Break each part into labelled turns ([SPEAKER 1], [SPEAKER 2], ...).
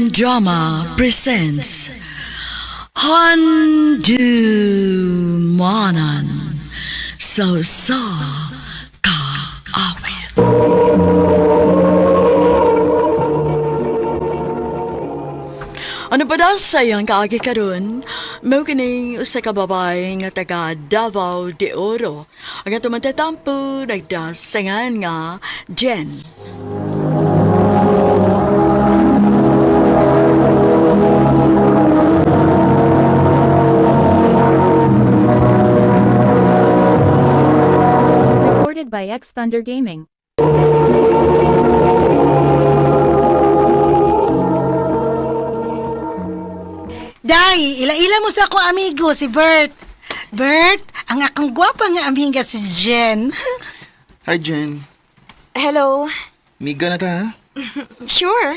[SPEAKER 1] Drama presents Handumanan So Ka Awit. Ano pa daw sayang kaagi karon? Mao kining usa ka babae nga taga Davao de Oro. Ang atong matatampo nagdasangan nga Jen.
[SPEAKER 2] Recorded by X Thunder Gaming.
[SPEAKER 3] Day, ila-ila mo sa akong amigo, si Bert. Bert, ang akong gwapa nga amiga si Jen.
[SPEAKER 4] Hi, Jen.
[SPEAKER 5] Hello.
[SPEAKER 4] Miga na ta, ha?
[SPEAKER 5] Sure.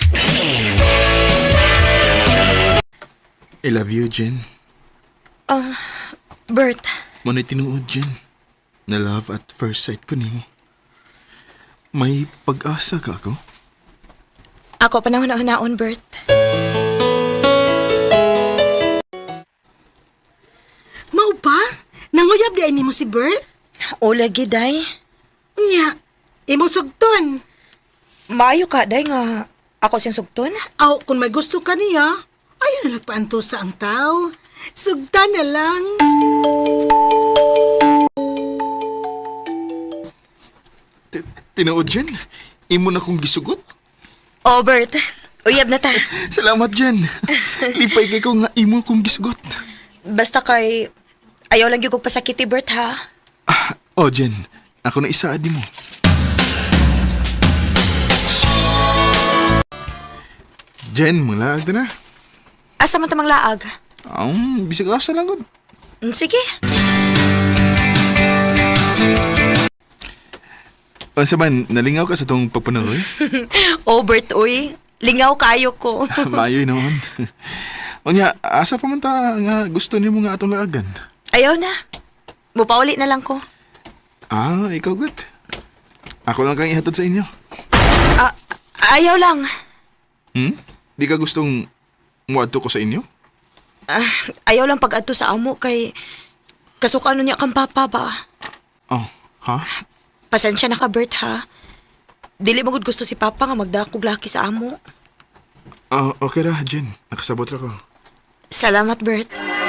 [SPEAKER 4] I love you, Jen.
[SPEAKER 5] Bert,
[SPEAKER 4] Mana'y tinuod, Jen. Na love at first sight ko nimo. May pag-asa ka ako?
[SPEAKER 5] ako panahon-naon, Bert.
[SPEAKER 3] Mao pa? Nanguyab di ni mo si Bert?
[SPEAKER 5] O lagi, day.
[SPEAKER 3] Unya, imo sugton.
[SPEAKER 5] Maayo ka, day, nga ako siyang sugton.
[SPEAKER 3] Aw, kung may gusto ka niya, ayaw na nagpaanto sa ang tao. Sugtan na lang.
[SPEAKER 4] Tinuod, Jen. Imo na kong gisugot.
[SPEAKER 5] O, Bert, uyab na ta.
[SPEAKER 4] Salamat, Jen. Lipay kay ko nga imo kong gisugot.
[SPEAKER 5] Basta kay, ayaw lang yung kong pasakiti, Bert, ha?
[SPEAKER 4] Oh, Jen. Ako na isaad mo. Jen, mga laag na.
[SPEAKER 5] Asa man tamang laag?
[SPEAKER 4] Bisig asa lang gud.
[SPEAKER 5] Sige.
[SPEAKER 4] Sa man, nalingaw ka sa tong pagpanahoy?
[SPEAKER 5] O, Bert, uy. Lingaw kayo ko.
[SPEAKER 4] Mayoy naman. Onya, asa pa man ta nga gusto nimo nga atong laagan?
[SPEAKER 5] Ayaw na. Mupauli na lang ko.
[SPEAKER 4] Ikaw good. Ako lang kang ihatod sa inyo.
[SPEAKER 5] Ayaw lang.
[SPEAKER 4] Di ka gustong muadto ko sa inyo?
[SPEAKER 5] Ayaw lang pag-adto sa amo kay kasukano niya kang papa ba?
[SPEAKER 4] Oh, ha?
[SPEAKER 5] Pasensya na ka, Bert, ha? Dili mo gud gusto si papa nga magdakog laki sa amo.
[SPEAKER 4] Okay ra, Jen. Nakasabot ra ko.
[SPEAKER 5] Salamat, Bert.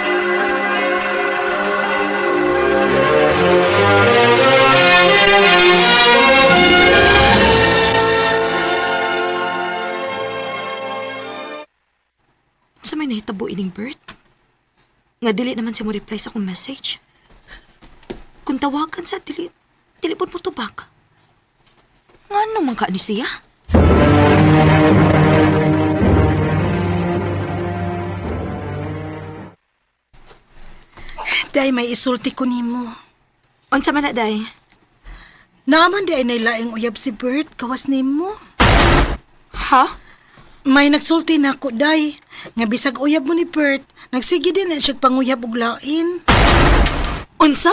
[SPEAKER 5] Sa may nahitabo ining Bert? Nga dili naman siya mo reply sa akong message. Kung tawagan sa dili po mo tubag. Nga naman ka ni siya?
[SPEAKER 3] Day, may isulti ko nimo.
[SPEAKER 5] Unsa man na, day?
[SPEAKER 3] Naman di ay nailaing uyab si Bert, kawas nimo.
[SPEAKER 5] Ha?
[SPEAKER 3] May nagsulti na ako, Day. Nga bisag uyab mo ni Bert, nagsige din na siya panguyab og lain.
[SPEAKER 5] Unsa?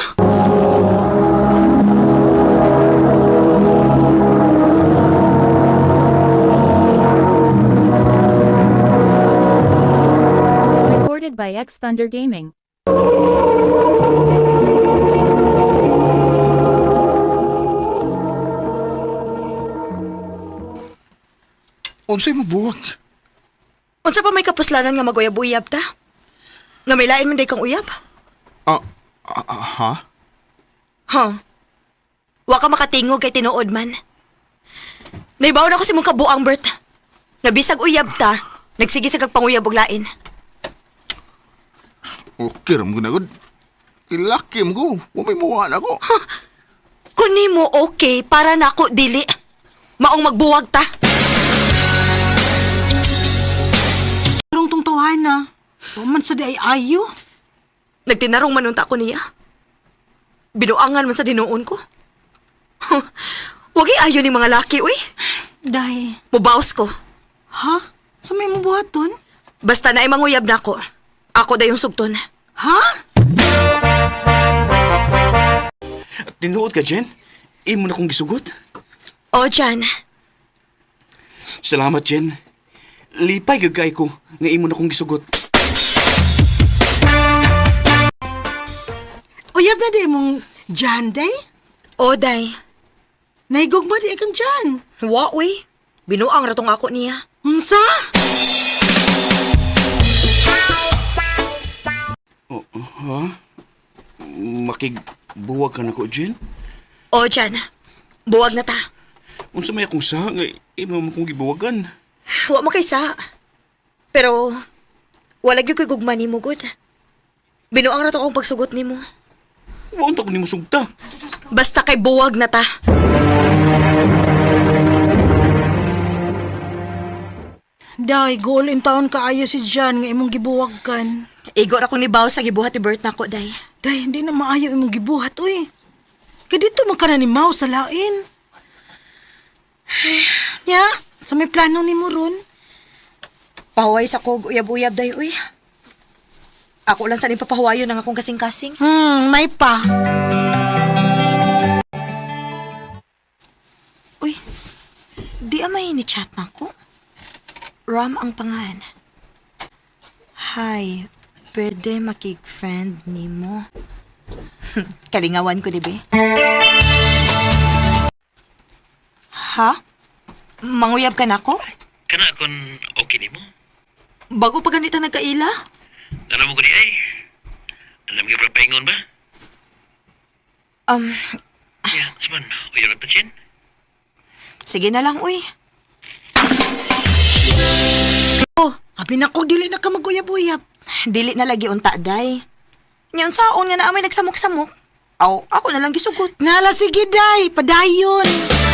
[SPEAKER 2] Recorded by X Thunder Gaming.
[SPEAKER 4] Unsay mo buwag?
[SPEAKER 5] Unsa pa may kapuslanan nga maguyab-uyab ta? Nga may lain man day kang uyab?
[SPEAKER 4] Ha?
[SPEAKER 5] Huh? Wa ka makatingog kay tinuod man. Naibaw na ko si mong kabuang, Bert. Nga bisag uyab ta, nagsige sa kagpanguyab og lain.
[SPEAKER 4] Okay, ram ko na gud. Kilaki mo ko. Umay mawaan ako.
[SPEAKER 5] Kuni mo okay para nako dili. Maong magbuwag ta.
[SPEAKER 3] Karong tong tawana. Waman sa di ay ayo.
[SPEAKER 5] Nagtinarong manunta ko niya. Binuangan man sa dinuon ko. Wagi ayo ni mga laki, uy.
[SPEAKER 3] Day.
[SPEAKER 5] Mubaos ko.
[SPEAKER 3] Ha? Sa may mabuhaton?
[SPEAKER 5] Basta na manguyab na ako. Ako da yung sugton.
[SPEAKER 3] Ha?
[SPEAKER 6] Tinuod ka, Jen? Imo na kong gisugot.
[SPEAKER 5] O, Jan.
[SPEAKER 6] Salamat, Jen. lipay gagay ko nga imo na kong gisugot.
[SPEAKER 3] Uyab na di mong Jan, day?
[SPEAKER 5] O, day.
[SPEAKER 3] Naigugma di kang Jan.
[SPEAKER 5] Wa, uy. Binuang ratong ako niya.
[SPEAKER 3] Unsa?
[SPEAKER 6] Ha? Makigbuwag ka na ko, Jen?
[SPEAKER 5] O, Jan. Buwag na ta.
[SPEAKER 6] Unsa may akong sa nga imo mo kong gibuwagan.
[SPEAKER 5] Wa mo kaysa. Pero, wala gyud ko'y gugma ni mo, good. Binuang rato akong pagsugot ni mo.
[SPEAKER 6] Wa unta ko nimo sugta.
[SPEAKER 5] Basta kay buwag na ta.
[SPEAKER 3] Day, goal in town kaayo si Jan nga imong gibuwag kan.
[SPEAKER 5] Igor ako ni Bao sa gibuhat ni Bert na ko, day.
[SPEAKER 3] Day, hindi na maayo imong gibuhat, uy. Kadito man ka na ni Mau sa lain. Ya, sa may plano ni mo ron.
[SPEAKER 5] Pahuway sa kog uyab-uyab, day, uy. Ako lang sa nipapahuwayo ng akong kasing-kasing.
[SPEAKER 3] May pa.
[SPEAKER 5] Uy, di amay ni chat na ko. Ram ang pangan. Hi, pwede makig-friend ni mo. Kalingawan ko, di ba? Ha? Manguyab ka na ko?
[SPEAKER 7] Kana kon okay nimo?
[SPEAKER 5] Bago pa ganito nagkaila?
[SPEAKER 7] Alam mo ko di ay. Alam ka ba paingon ba? Ya, seman. Uyo ra Jen.
[SPEAKER 5] Sige na lang, uy.
[SPEAKER 3] Oh, abi na ko dili na ka maguyab-uyab.
[SPEAKER 5] Dili na lagi unta, day. Nyan saon nga na amay nagsamok-samok. Aw, ako na lang gisugot.
[SPEAKER 3] Nala sige day, padayon.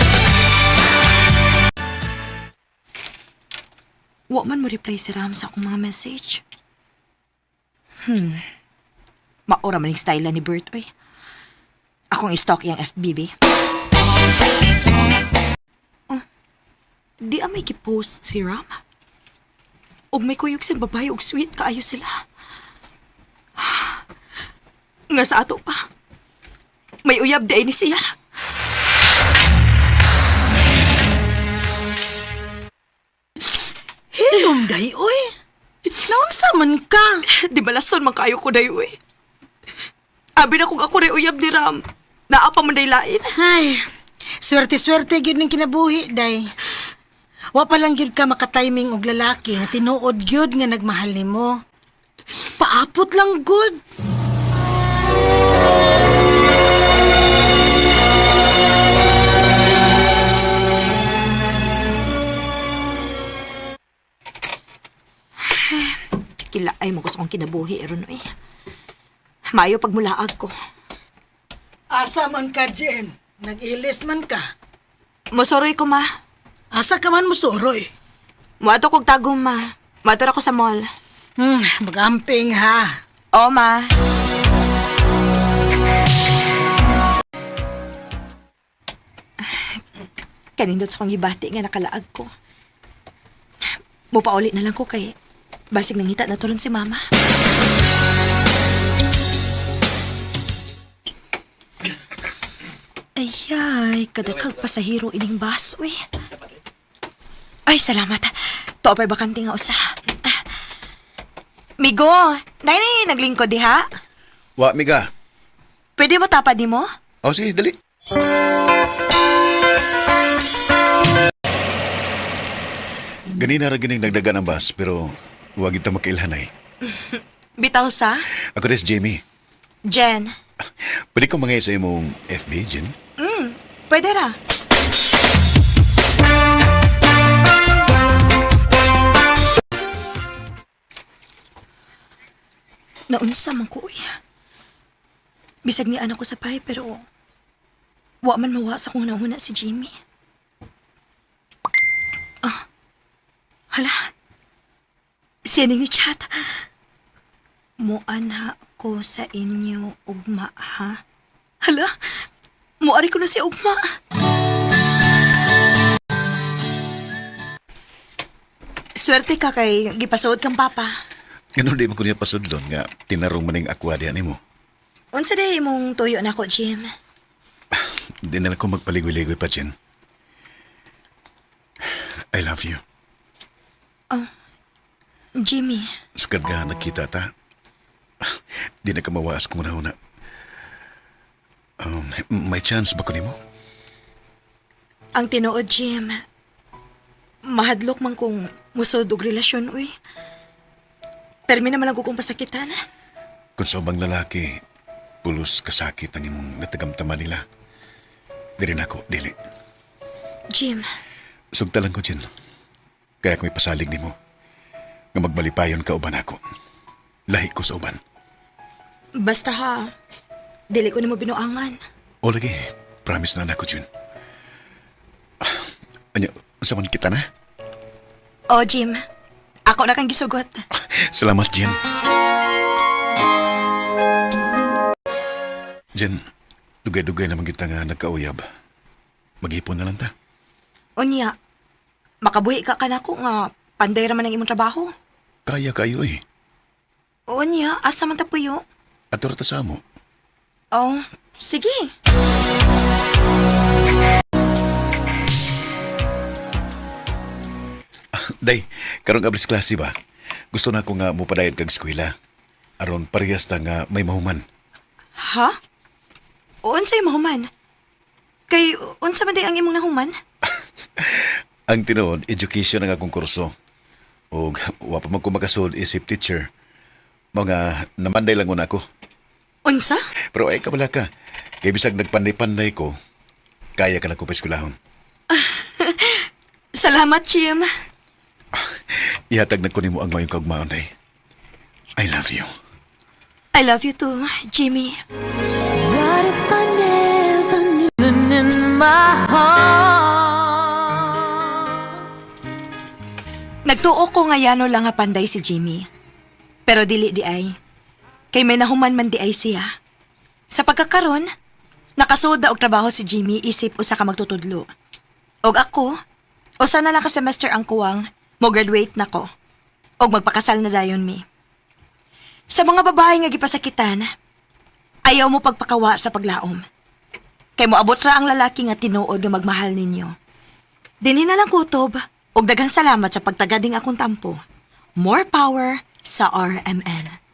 [SPEAKER 5] Wa man mo reply si Ram sa akong mga message. Maura man yung style ni Bert, oy. Akong i-stalk yung FBB. Oh, di amay ki-post si Ram. Og may kuyog siyang babae og sweet kaayo sila. Nga sa ato pa. May uyab day ni siya.
[SPEAKER 3] Hilom day, oy. Naunsa man ka?
[SPEAKER 5] Di ba lason man kaayo ko dayo eh. Abi na kung ako rin uyab ni Ram. Naapa man day lain.
[SPEAKER 3] Ay, swerte-swerte gyud ning kinabuhi day. Wa pa lang gyud ka makatiming og lalaki nga tinuod gyud nga nagmahal nimo. Paapot lang good.
[SPEAKER 5] Kila ay mo gusto kong kinabuhi ron eh. Mayo pagmulaag ko.
[SPEAKER 3] Asa man ka, Jen? Nag-ilis man ka.
[SPEAKER 5] Mosoroy ko, ma.
[SPEAKER 3] Asa ka man musuroy?
[SPEAKER 5] Muato kog tagong, ma. Muato ako sa mall.
[SPEAKER 3] Magamping ha.
[SPEAKER 5] Oo, ma. Kanindot sa kong gibati nga nakalaag ko. Mupauli na lang ko kay basig nangita na turon si mama. Ayay, kadakag pasahero ining bus, uy. Ay, salamat. Topay bakante nga usa. Migo, nay naglingkod diha.
[SPEAKER 8] Wa, miga.
[SPEAKER 5] Pwede mo tapad ni mo?
[SPEAKER 8] O, sige, dali. Ganina ra gining nagdagan ang bus, pero huwag ito makailhanay.
[SPEAKER 5] Bitaw sa?
[SPEAKER 8] Ako rin si Jamie.
[SPEAKER 5] Jen.
[SPEAKER 8] Pwede ko mangay sa imong FB, Jen?
[SPEAKER 5] Pwede ra. Naunsa man ko, uy. Bisag ni anak ko sa pahay, pero wa man mawa sa kong nauna si Jimmy. Hala. Siya ning ni chat. Muana ko sa inyo, ugma, ha? Hala. Muari ko na si ugma. Swerte ka kay gipasuod kang papa.
[SPEAKER 8] Ganun di mo ko niya pasudlon nga tinarong maning akwa diyan mo.
[SPEAKER 5] Unsa day imong tuyo na ko, Jim?
[SPEAKER 8] Di na lang ko magpaligoy-ligoy pa, Jen. I love you.
[SPEAKER 5] Jimmy,
[SPEAKER 8] Sukad nga nakita ta. Di na ka mawaas kung una-una. May chance ba ko nimo?
[SPEAKER 5] ang tinuod, Jim. Mahadlok man kung musod og relasyon, uy. Permi naman lang ko kung pasakitan.
[SPEAKER 8] Kung sa ubang lalaki, pulos kasakit ang imong natagamtama nila. Di rin ako, dili.
[SPEAKER 5] Jim,
[SPEAKER 8] Sugta lang ko, Jen. Kaya ko'y pasalig nimo. Nga magbalipayon ka uban ako. Lahi ko sa uban.
[SPEAKER 5] basta ha. Dili ko nimo binuangan.
[SPEAKER 8] O lagi, promise na ako, Jen. Anya, sa man kita na?
[SPEAKER 5] Oh, Jim. Ako na kang gisugot.
[SPEAKER 8] Salamat, Jen. Jen, dugay-dugay naman kita nga nagkauyab. Mag-ipon na lang ta.
[SPEAKER 5] Unya, makabuhi ka kanako nga panday raman ang imong trabaho.
[SPEAKER 8] Kaya kayo eh.
[SPEAKER 5] Unya, asa man ta puyo?
[SPEAKER 8] Ator ta sa amo.
[SPEAKER 5] Oh, sige.
[SPEAKER 8] Day, karong abris klase ba? Gusto na ko nga mupadayad kag eskwela. Aron parehas ta nga may mahuman.
[SPEAKER 5] Ha? Unsay mahuman? Kay unsa man day ang imong nahuman?
[SPEAKER 8] Ang tinuod, education ang akong kurso. O wa pa man ko makasud isip teacher. Mga namanday lang una ako.
[SPEAKER 5] Unsa?
[SPEAKER 8] Pero ay kabala ka. Kaya bisag nagpanday-panday ko, kaya ka na ko pa eskwelahon.
[SPEAKER 5] Salamat, Jim.
[SPEAKER 8] Ihatag na ko nimo ang mayong kaugmaon, day. I love you.
[SPEAKER 5] I love you too, Jimmy. Nagtuo ko nga yano lang nga panday si Jimmy. Pero dili di ay. Kay may nahuman man di ay siya. Sa pagkakaron, nakasuod na og trabaho si Jimmy isip usa ka magtutudlo. Og ako, usa na lang ka semester ang kuwang, mo graduate na ko. Og magpakasal na dayon mi. Sa mga babae nga gipasakitan, ayaw mo pagpakawa sa paglaom. Kay moabot ra ang lalaki nga tinuod nga magmahal ninyo. Dinhi na lang kutob, ug daghang salamat sa pagtagading akong tampo. More power sa RMN.